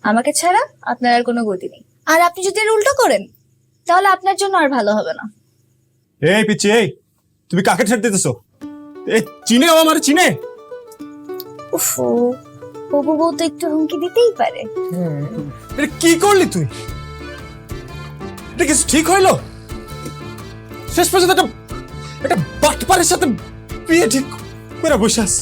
আমাকে ছাড়া আপনার আর কোনো গতি নেই। আর আপনি যদি এর উল্টো করেন তাহলে আপনার জন্য আর ভালো হবে না। এই পিচ্ছি, এই তুমি কাকে ছেড়ে দিতেছো? এই চিনে আমার চিনে। উফো, হবু বউ তো একটু হুমকি দিতেই পারে। এটা কি করলি তুই? এটা কি ঠিক হইলো? শেষ পর্যন্ত একটা বাটপারের সাথে বিয়ে ঠিক করে বসে আছি।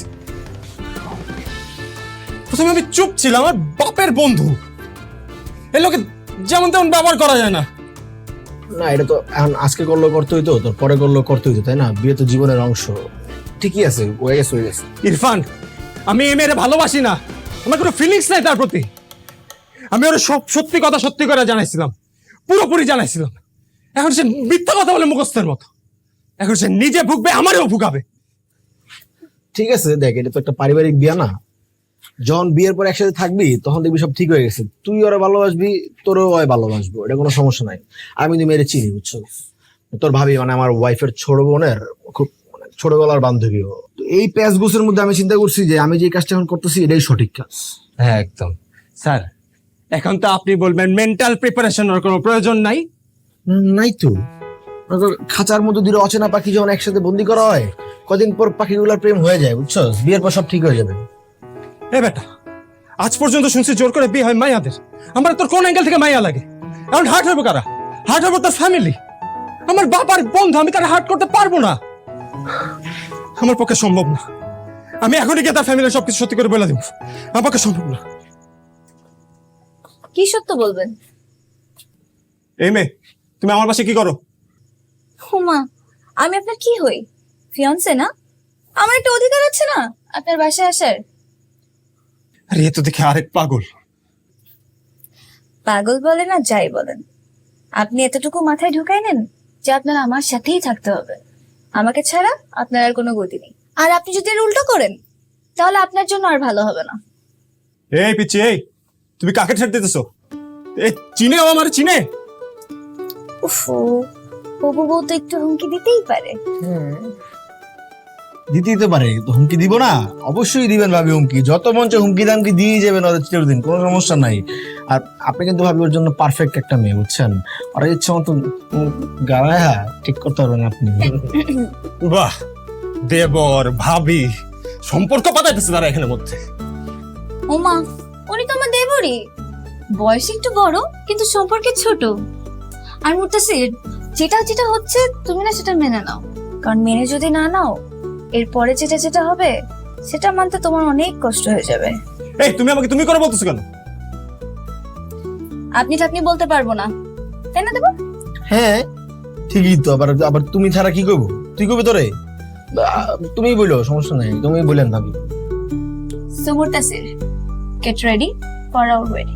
প্রথমে আমি চুপ ছিলাম, আমার বাপের বন্ধু, এই লোকে যেমন তেমন ব্যবহার করা যায় না। না, এটা তো এখন আজকে করলেও করতে হইতো, তোর পরে করলেও করতে হইতো, তাই না? বিয়ে তো জীবনের অংশ। ঠিকই আছে, হয়ে গেছে হয়ে গেছে। ইরফান, আমি এই মেয়েরে ভালোবাসি না, আমার কোনো ফিলিংস নাই তার প্রতি। আমি ওর সব সত্যি কথা সত্যি করে জানাইছিলাম, পুরোপুরি জানাইছিলাম। এখন সে মিথ্যা কথা বলে মুখস্থের মতো। এখন সে নিজে ভুগবে, আমারও ভুগাবে। ঠিক আছে, দেখ, এটা তো একটা পারিবারিক বিয়ে না? যখন বিয়ের পর একসাথে থাকবি তখন দেখবি সব ঠিক হয়ে গেছে। তুই ওরা ভালোবাসবি, তোরও ওই ভালোবাসবো, এটা কোনো সমস্যা নাই। আমি কিন্তু মেয়েরে চিনি, বুঝছো? তোর ভাবি মানে আমার ওয়াইফের ছোট বোনের খুব মানে ছোটবেলার বান্ধবী। তো এই প্যাচ গোছের মধ্যে আমি চিন্তা করছি যে আমি যে কাজটা এখন করতেছি এটাই সঠিক কাজ। হ্যাঁ একদম স্যার। এখন তো আপনি বলবেন মেন্টাল প্রিপারেশনের কোনো প্রয়োজন নাই। নাই তো। খাঁচার মধ্যে দুটো অচেনা পাখি যখন একসাথে বন্দি করা হয়, কদিন পর পাখিগুলোর প্রেম হয়ে যায়, বুঝছো? বিয়ের পর সব ঠিক হয়ে যাবে। এ বেটা, আজ পর্যন্ত শুনছি জোর করে বিয়ে হয় মাইয়াদের। আমার তোর কোন অ্যাঙ্গেল থেকে মাইয়া লাগে? এখন হার্ট হইব কারা? হার্ট হইব তার ফ্যামিলি, আমার বাবার বন্ধু। আমি তার হার্ট করতে পারবো না, আমার পক্ষে সম্ভব না। আমি এখনই গিয়ে তার ফ্যামিলির সবকিছু সত্যি করে বলে দিব, আমার পক্ষে সম্ভব না। কি সত্য বলবেন? এই মেয়ে, তুমি আমার পাশে কি করো? হুমা, আমি আপনার কি হই? ফিয়ান্সে না? আমার একটা অধিকার আছে না আপনার বাসায় আসার? আরে এ তো দেখে আরেক পাগল। পাগল বলেন আর যাই বলেন, আপনি এতটুকু মাথায় ঢুকাই নেন যে আপনার আমার সাথেই থাকতে হবে। আমাকে ছাড়া আপনার আর কোনো গতি নেই। আর আপনি যদি এর উল্টো করেন তাহলে আপনার জন্য আর ভালো হবে না। এই পিচ্ছি, এই তুমি কাকে ছেড়ে দিতেছো? এই চিনে আমার চিনে। উফো, হবু বউ তো একটু হুমকি দিতেই পারে। দিতেই তো পারে, তো হুমকি দিব না? অবশ্যই দিবেন ভাবি হুমকি, যত মঞ্চে হুমকি দামকি দিয়ে যাবেন ওদের চিরদিন, কোনো সমস্যা নাই। আর আপনি কিন্তু ভাবি ওর জন্য পারফেক্ট একটা মেয়ে, বুঝছেন? ওরা ইচ্ছে মতো গাড়ায় ঠিক করতে পারবেন আপনি। বাহ, দেবর ভাবি সম্পর্ক পাতাইতেছে তারা এখানের মধ্যে। ওমা, উনি তো আমার দেবরই, বয়স একটু বড় কিন্তু সম্পর্কে ছোট। আর মুতাসির, যেটা যেটা হচ্ছে তুমি না সেটা মেনে নাও, কারণ মেনে যদি না নাও এরপরে যেটা যেটা হবে সেটা মানতে তোমার অনেক কষ্ট হয়ে যাবে। এই তুমি আমাকে তুমি করে বলতেছো কেন? আপনি ঠাকনি বলতে পারবো না, তাই না দেবো? হ্যাঁ ঠিকই তো। আবার আবার তুমি ছাড়া কি করবো? তুই কবি তোরে? তুমি বলো, সমস্যা নাই, তুমি বলেন ভাবি। So Mutasir, get ready for our wedding.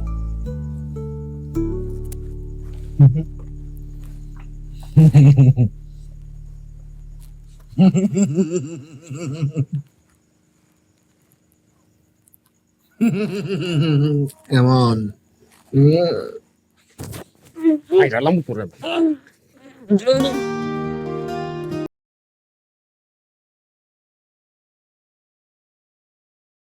কেমন? আইরালাম করে